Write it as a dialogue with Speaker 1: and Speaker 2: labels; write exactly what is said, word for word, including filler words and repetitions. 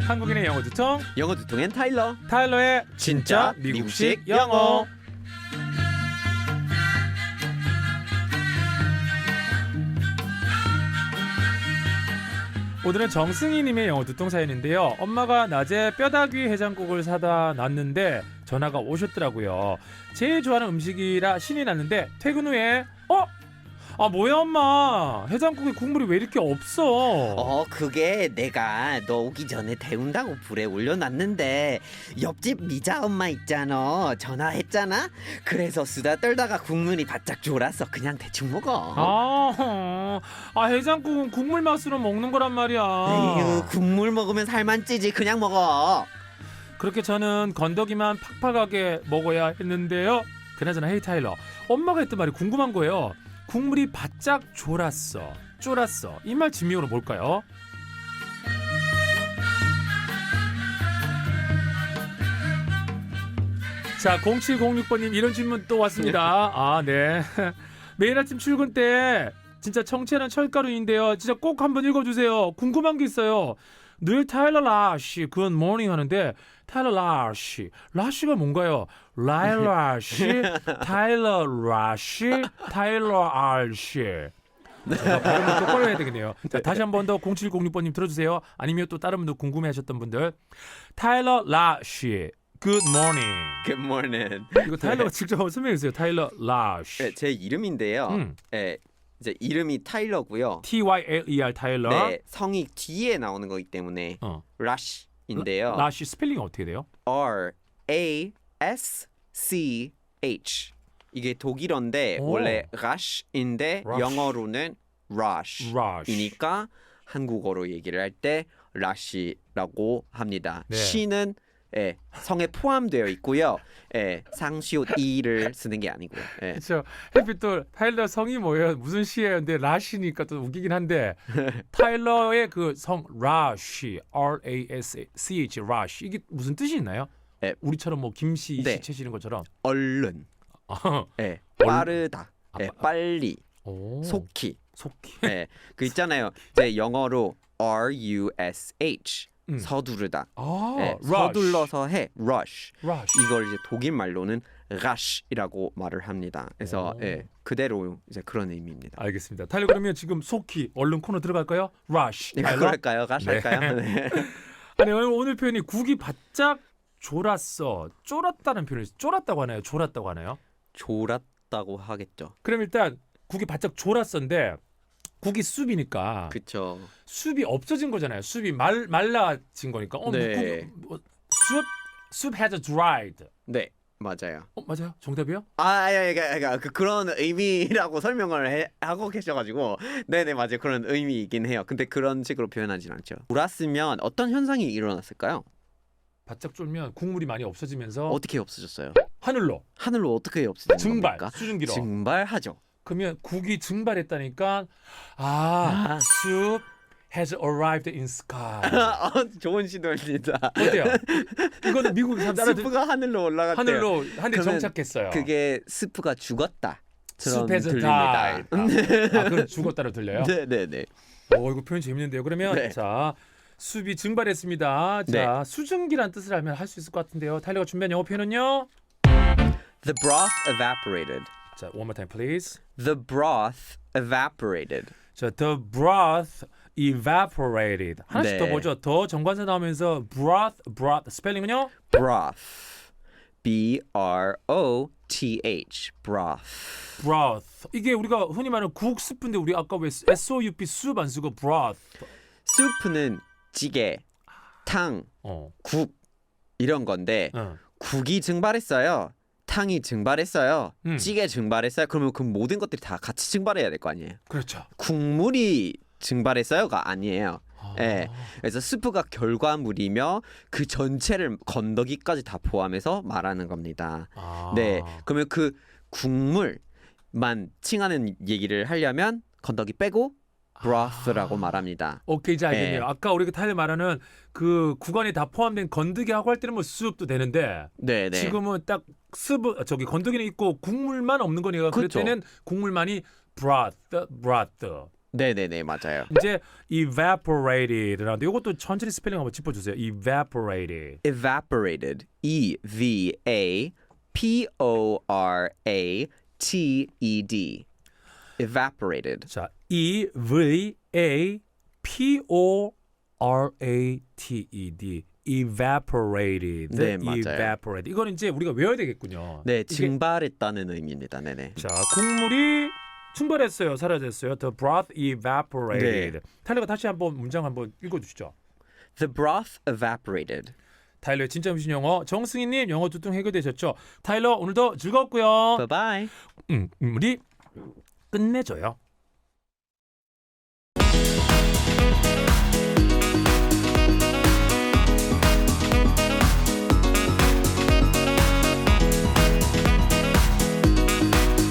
Speaker 1: 한국인의 영어 두통
Speaker 2: 영어 두통엔 타일러.
Speaker 1: 타일러의 진짜 미국식 영어. 오늘은 정승희님의 영어 두통 사연인데요. 엄마가 낮에 뼈다귀 해장국을 사다 놨는데 전화가 오셨더라고요. 제일 좋아하는 음식이라 신이 났는데 퇴근 후에 어? 아 뭐야 엄마, 해장국에 국물이 왜 이렇게 없어?
Speaker 2: 어 그게 내가 너 오기 전에 데운다고 불에 올려놨는데 옆집 미자 엄마 있잖아, 전화했잖아. 그래서 수다 떨다가 국물이 바짝 졸았어. 그냥 대충 먹어.
Speaker 1: 아, 아 해장국은 국물 맛으로 먹는 거란 말이야.
Speaker 2: 에휴, 국물 먹으면 살만 찌지. 그냥 먹어.
Speaker 1: 그렇게 저는 건더기만 팍팍하게 먹어야 했는데요. 그나저나 헤이 타일러, 엄마가 했던 말이 궁금한 거예요. 국물이 바짝 졸았어, 쫄았어, 이 말 진명으로 뭘까요? 자, 공칠공육 번님 이런 질문 또 왔습니다. 아, 네. 매일 아침 출근 때 진짜 청취하는 철가루인데요. 진짜 꼭 한번 읽어주세요. 궁금한 게 있어요. 늘 타일러 라시 굿 모닝 하는데 타일러 라시, 라시가 뭔가요? 라일러 라시, 타일러 라시, 타일러 알시. 제가 발음을 똑바로 해야 되겠네요. 자, 다시 한 번 더 공칠공육 번님 들어주세요. 아니면 또 다른 분들 궁금해하셨던 분들. 타일러 라시 굿 모닝.
Speaker 2: Good morning.
Speaker 1: 이거 타일러가 직접 한번 설명해 주세요. 타일러 라시.
Speaker 2: 네, 제 이름인데요.
Speaker 1: 음.
Speaker 2: 네, 이제 이름이 타일러고요.
Speaker 1: T Y L E R 타일러.
Speaker 2: 네, 성이 뒤에 나오는 거기 때문에
Speaker 1: 어.
Speaker 2: 라시인데요.
Speaker 1: 라시 스펠링이 어떻게 돼요?
Speaker 2: R A S C H. 이게 독일어인데
Speaker 1: 오.
Speaker 2: 원래 rush인데
Speaker 1: rush.
Speaker 2: 영어로는 rush.
Speaker 1: rush.
Speaker 2: 이니까 한국어로 얘기를 할 때 rush라고 합니다.
Speaker 1: 네.
Speaker 2: 시는 예, 성에 포함되어 있고요. 예, 상시옷 이를 쓰는 게 아니고요. 예.
Speaker 1: 그렇죠. 해피 또 타일러 성이 뭐예요? 무슨 시예요? 근데 라시니까 또 웃기긴 한데 타일러의 그 성 라시, R A S C H 라시, 이게 무슨 뜻이 있나요?
Speaker 2: 예.
Speaker 1: 우리처럼 뭐 김씨,
Speaker 2: 네.
Speaker 1: 시채 시는 것처럼.
Speaker 2: 얼른,
Speaker 1: 어.
Speaker 2: 예,
Speaker 1: 얼-
Speaker 2: 빠르다,
Speaker 1: 아,
Speaker 2: 예,
Speaker 1: 빠-
Speaker 2: 빨리,
Speaker 1: 오.
Speaker 2: 속히.
Speaker 1: 속히.
Speaker 2: 예, 그 있잖아요. 이제 영어로 R U S H
Speaker 1: 음.
Speaker 2: 서두르다.
Speaker 1: 아,
Speaker 2: 예,
Speaker 1: rush.
Speaker 2: 서둘러서 해 rush.
Speaker 1: rush.
Speaker 2: 이걸 이제 독일 말로는 rush이라고 말을 합니다. 그래서
Speaker 1: 오.
Speaker 2: 예, 그대로 이제 그런 의미입니다.
Speaker 1: 알겠습니다. 타일러 그러면 지금 속히 얼른 코너 들어갈까요? rush.
Speaker 2: 네,
Speaker 1: 타일러?
Speaker 2: 그럴까요? rush
Speaker 1: 네.
Speaker 2: 할까요? 네.
Speaker 1: 아니 오늘, 오늘 표현이 국이 바짝 졸았어, 쫄았다는 표현이 쫄았다고 하나요? 졸았다고 하나요?
Speaker 2: 졸았다고 하겠죠.
Speaker 1: 그럼 일단 국이 바짝 졸았었는데 국이 숲이니까
Speaker 2: 그쵸.
Speaker 1: 숲이 없어진 거잖아요. 숲이 말 말라진 거니까. 어,
Speaker 2: 네.
Speaker 1: 국, 뭐, 숲 숲 has dried.
Speaker 2: 네, 맞아요.
Speaker 1: 어, 맞아요. 정답이요?
Speaker 2: 아, 예, 예, 예, 그 그런 의미라고 설명을 해, 하고 계셔가지고, 네네 맞아요. 그런 의미이긴 해요. 근데 그런 식으로 표현하진 않죠. 졸았으면 어떤 현상이 일어났을까요?
Speaker 1: 바짝 쫄면 국물이 많이 없어지면서
Speaker 2: 어떻게 없어졌어요?
Speaker 1: 하늘로
Speaker 2: 하늘로 어떻게 없어지는
Speaker 1: 증발,
Speaker 2: 겁니까?
Speaker 1: 수증기로.
Speaker 2: 증발하죠.
Speaker 1: 그러면 국이 증발했다니까 아,
Speaker 2: 아.
Speaker 1: 숲 has arrived in sky.
Speaker 2: 아, 좋은 시도입니다.
Speaker 1: 어때요? 이거는 미국 사람들
Speaker 2: 스프가 하늘로 올라갔대요.
Speaker 1: 하늘로 한데
Speaker 2: 그러면
Speaker 1: 정착했어요.
Speaker 2: 그게 스프가 죽었다.
Speaker 1: 숲 has
Speaker 2: 들립니다.
Speaker 1: died. 아, 아, 그럼 죽었다로 들려요?
Speaker 2: 네네네.
Speaker 1: 오, 이거 표현 재밌는데요. 그러면
Speaker 2: 네.
Speaker 1: 자, 숲이 증발했습니다. 자, 수증기란 뜻을 알면 할 수 있을 것 같은데요. 타일러가 준비한 영어 표현은요.
Speaker 2: The broth evaporated.
Speaker 1: 자, one more time please.
Speaker 2: The broth evaporated.
Speaker 1: 자, the broth evaporated. 하나씩
Speaker 2: 네.
Speaker 1: 더 보죠. 더 정관사 나오면서 broth, broth 스펠링은요?
Speaker 2: Broth. B R O T H. Broth.
Speaker 1: broth. 이게 우리가 흔히 말하는 국 스프인데 우리 아까 왜 S O U P 숲 안 쓰고 broth.
Speaker 2: 스프는 찌개, 탕,
Speaker 1: 어.
Speaker 2: 국 이런 건데
Speaker 1: 어.
Speaker 2: 국이 증발했어요. 탕이 증발했어요.
Speaker 1: 음.
Speaker 2: 찌개 증발했어요. 그러면 그 모든 것들이 다 같이 증발해야 될 거 아니에요.
Speaker 1: 그렇죠.
Speaker 2: 국물이 증발했어요가 아니에요.
Speaker 1: 아.
Speaker 2: 예. 그래서 스프가 결과물이며 그 전체를 건더기까지 다 포함해서 말하는 겁니다.
Speaker 1: 아.
Speaker 2: 네. 그러면 그 국물만 칭하는 얘기를 하려면 건더기 빼고 broth라고 말합니다.
Speaker 1: 오케이, 이제 알겠네요.
Speaker 2: 네.
Speaker 1: 아까 우리가 타일 말하는 그 구간이 다 포함된 건더기하고 할 때는 뭐 숲도 되는데
Speaker 2: 네, 네.
Speaker 1: 지금은 딱 스브 저기 건더기는 있고 국물만 없는 거니까 그럴
Speaker 2: 그렇죠.
Speaker 1: 때는 국물만이 broth, broth.
Speaker 2: 네네네 맞아요.
Speaker 1: 이제 evaporated라는데 이것도 천천히 스펠링 한번 짚어주세요. evaporated.
Speaker 2: Evaporated. E V A P O R A T E D. Evaporated.
Speaker 1: 자, E V A P O R A T E D. evaporated.
Speaker 2: 네, 맞아요.
Speaker 1: evaporated. 이건 이제 우리가 외워야 되겠군요.
Speaker 2: 네,
Speaker 1: 이게-
Speaker 2: 증발했다는 의미입니다. 네네.
Speaker 1: 자, 국물이 충발했어요. 사라졌어요. The broth evaporated.
Speaker 2: 네.
Speaker 1: 타일러가 다시 한번 문장 한번 읽어주시죠.
Speaker 2: The broth evaporated.
Speaker 1: 타일러의 진짜 무신 영어 정승희님 영어 두통 해결되셨죠? 타일러 오늘도 즐거웠고요.
Speaker 2: Bye bye.
Speaker 1: 음, 음, 우리 끝내줘요.